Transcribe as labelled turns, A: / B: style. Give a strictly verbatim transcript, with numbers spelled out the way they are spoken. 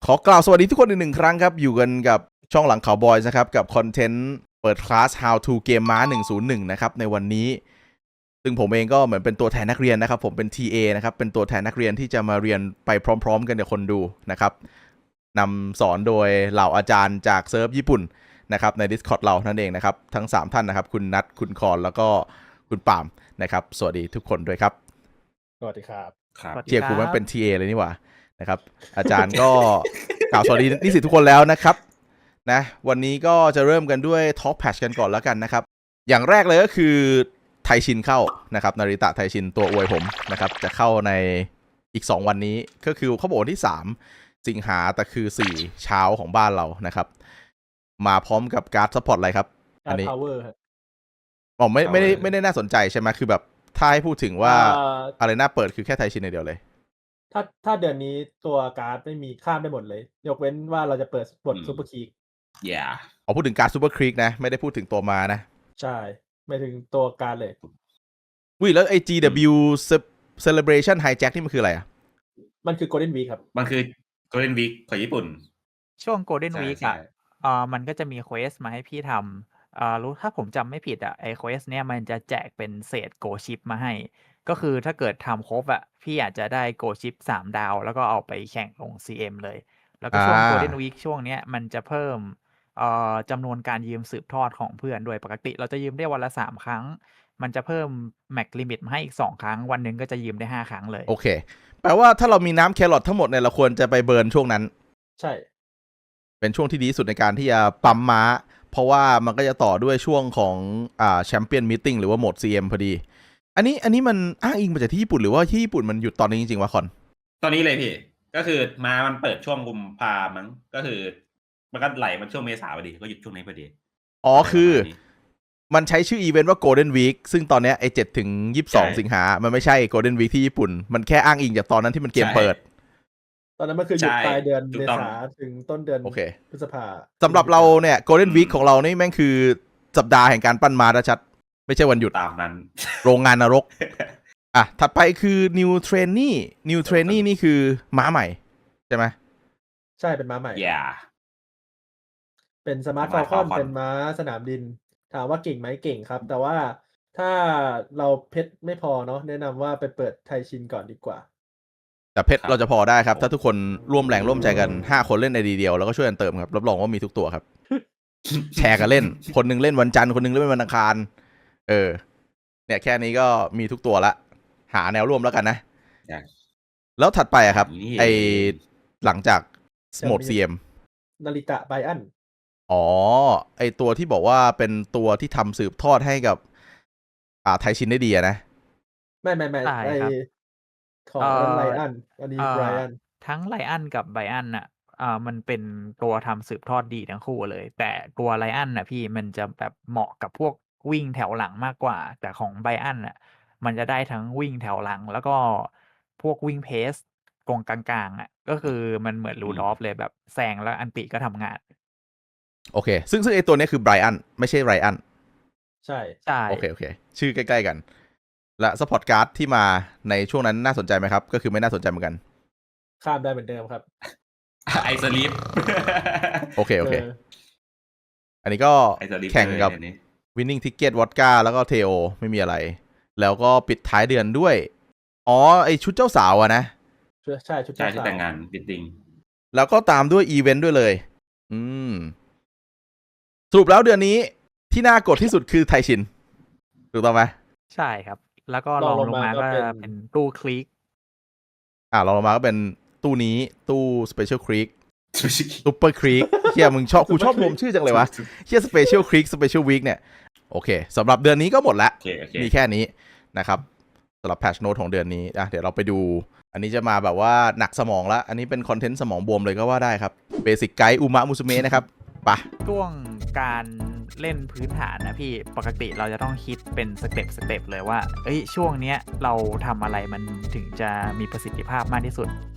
A: อกล่าวสวัสดีทุกคนอีกหนึ่งครั้งครับอยู่กันกับช่องหลังข่าวบอยส์นะครับกับคอนเทนต์เปิดคลาส How to เกมม้าหนึ่งศูนย์หนึ่งนะครับในวันนี้ซึ่งผมเองก็เหมือนเป็นตัวแทนนักเรียนนะครับผมเป็น ที เอ นะครับเป็นตัวแทนนักเรียนที่จะมาเรียนไปพร้อมๆกันกับคนดูนะครับนำสอนโดยเหล่าอาจารย์จากเซิร์ฟญี่ปุ่นนะครับใน Discord เรานั่นเองนะครับทั้งสามท่านนะครับคุณนัทคุณคอนแล้วก็คุณปาล์มนะครับสวัสดีทุกคนด้วยครับ
B: สวัสดีครับ
A: เทียร์ครูมันเป็น ที เอ เลยนี่หว่านะครับอาจารย์ก็กล่าวสวัสดีนิสิตทุกคนแล้วนะครับนะวันนี้ก็จะเริ่มกันด้วย Talk Patch กันก่อนแล้วกันนะครับอย่างแรกเลยก็คือไทชินเข้านะครับนาริตะไทชินตัวอวยผมนะครับจะเข้าในอีกสองวันนี้ก็คือเขาบอกวันที่สามสิงหาแต่คือสี่เช้าของบ้านเรานะครับมาพร้อมกับการ์ดซัพพอร์ตอะไรครับอันนี้อ๋อไม่ไม่ได้ไม่ได้น่าสนใจใช่ไหมคือแบบถ้าให้พูดถึงว่าอะไรน่าเปิดคือแค่ไทชินในเดียวเลย
B: ถ้าถ้าเดือนนี้ตัวการ์ดไม่มีข้ามได้หมดเลยยกเว้นว่าเราจะเปิดบทซูเปอร์คีก
C: อย่า
A: อ๋อพูดถึงการ์ดซูเปอร์ครีกนะไม่ได้พูดถึงตัวมานะ
B: ใช่ไม่ถึงตัวการ์ดเลย
A: วิแล้วไอ จี ดับเบิลยู Celebration Hijack นี่มันคืออะไรอ่ะ
B: มันคือ Golden Week ครับ
C: มันคือ Golden Week ของญี่ปุ่น
D: ช่วง Golden Week อ่ะอ่ามันก็จะมีเควสมาให้พี่ทำอ่ารู้ถ้าผมจำไม่ผิดอ่ะไอเควสเนี้ยมันจะแจกเป็นเศษโกชิปมาให้ก็คือถ้าเกิดทำครบอ่ะพี่อาจจะได้โกชิปสามดาวแล้วก็เอาไปแข่งลง ซี เอ็ม เลยแล้วก็ช่วง Golden Week ช่วงเนี้ยมันจะเพิ่มเอ่อจำนวนการยืมสืบทอดของเพื่อนด้วยปกติเราจะยืมได้วันละสามครั้งมันจะเพิ่มแม็กลิมิตมาให้อีกสองครั้งวันหนึ่งก็จะยืมได้ห้าครั้งเลย
A: โอเคแปลว่าถ้าเรามีน้ำแครอททั้งหมดเนี่ยเราควรจะไปเบิร์นช่วงนั้น
B: ใช่
A: เป็นช่วงที่ดีที่สุดในการที่จะปั๊มม้าเพราะว่ามันก็จะต่อด้วยช่วงของอ่าแชมเปี้ยนมีตติ้งหรือว่าโหมด ซี เอ็ม พอดีอันนี้อันนี้มันอ้างอิงมาจากที่ญี่ปุ่นหรือว่าที่ญี่ปุ่นมันหยุดตอนนี้จริงๆวะคอน
C: ตอนนี้เลยพี่ก็คือมามันเปิดช่วงกุมภามั้งก็คือมันก็ไหลมันช่วงเมษาพอดีก็หยุดช่วงนี้พอดี
A: อ๋อคือมันใช้ชื่ออีเวนต์ว่า Golden Week ซึ่งตอนนี้ไอ้เจ็ดถึงยี่สิบสองสิงหามันไม่ใช่ Golden Week ที่ญี่ปุ่นมันแค่อ้างอิงจากตอนนั้นที่มันเกมเปิด
B: ตอนนั้นมันคือหยุดปลายเดือนเมษาถึงต้นเดือนพฤษภา
A: สำหรับเราเนี่ย Golden Week ของเรานี่แม่งคือสัปดาห์แห่งการปั้นม้าชัดไม่ใช่วันหยุด
C: ตามนั้น
A: โรงงานนรกอ่ะถัดไปคือ New Trainee New Trainee นี่คือม้าใหม่ใช่ไหม
B: ใช่เป็นม้าใหม่
C: yeah.
B: เป็นสมาร์ทฟอลคอนเป็นม้าสนามดินถามว่าเก่งไหมเก่งครับแต่ว่าถ้าเราเพชรไม่พอเนาะแนะนำว่าไปเปิดไทชินก่อนดีกว่า
A: แต่เพชรเราจะพอได้ครับถ้าทุกคนร่วมแรงร่วมใจกันห้าคนเล่นในดีเดียวแล้วก็ช่วยกันเติมครับรับรองว่ามีทุกตัวครับ แชร์กันเล่นคนนึงเล่นวันจันทร์คนนึงเล่นวันอังคารเออเนี่ยแค่นี้ก็มีทุกตัวละหาแนวร่วมแล้วกันนะแล้วถัดไปอะครับไอหลังจากโหมด ซี เอ็ม
B: นาริตะไบอัน
A: อ๋อไอตัวที่บอกว่าเป็นตัวที่ทำสืบทอดให้กับอ่าไทชินได้ดีนะ
B: ไม่ไม่ไม่ไอของไลอันอันนี้ไบอัน
D: ทั้งไลอันกับไบอันน่ะอ่ามันเป็นตัวทำสืบทอดดีทั้งคู่เลยแต่ตัวไลอันน่ะพี่มันจะแบบเหมาะกับพวกวิ่งแถวหลังมากกว่าแต่ของไบอันน่ะมันจะได้ทั้งวิ่งแถวหลังแล้วก็พวกวิ่งเพสกองกลางๆอ่ะก็คือมันเหมือนรูดอฟเลยแบบแซงแล้วอันติก็ทำงาน
A: โอเคซึ่งซึ่งไอตัวนี้คือไบรอันไม่ใช่ไรอัน
B: ใช่
D: ใช่
A: โอเคโอเคชื่อใกล้ๆกันและซัพพอร์ตการ์ดที่มาในช่วงนั้นน่าสนใจไหมครับก็คือไม่น่าสนใจเหมือนกัน
B: ข้ามได้เหมือนเดิมครับ
C: ไอสลิป
A: โอเคโอเคอันนี้ก็แข่งกับ Winning Ticket วอดก้าแล้วก็เทโอไม่มีอะไรแล้วก็ปิดท้ายเดือนด้วยอ๋อไอชุดเจ้าสาวอะนะ
B: ใช่ชุดเจ้าสาว
C: แต่งงานบิดดิ้ง
A: แล้วก็ตามด้วยอีเวนต์ด้วยเลยอืมสรุปแล้วเดือนนี้ที่น่ากดที่สุดคือไทชินถูกต้องไหม
D: ใช่ครับแล้วก็ลองลงมาก็เป็นตู้คลิก
A: อ่าลองลงมาก็เป็นตู้นี้ตู้สเปเชียลคลิกซูเปอร์คลิกเฮียมึงชอบกูชอบรวมชื่อจังเลยวะเฮียสเปเชียลคลิกสเปเชียลวีคเนี่ยโอเคสำหรับเดือนนี้ก็หมดแล้ว
C: okay, okay.
A: มีแค่นี้นะครับสำหรับแพทช์โน้ตของเดือนนี้อ่ะเดี๋ยวเราไปดูอันนี้จะมาแบบว่าหนักสมองแล้วอันนี้เป็นคอนเทนต์สมองบวมเลยก็ว่าได้ครับเบสิกไกด์อุมะมุสุเมะนะครับปะ
D: ช่วงการเล่นพื้นฐานนะพี่ปกติเราจะต้องคิดเป็นสเต็ปสเต็ปเลยว่าเอ้ยช่วงเนี้ยเราทำอะไรมันถึงจะมีประสิทธิภาพมากที่สุด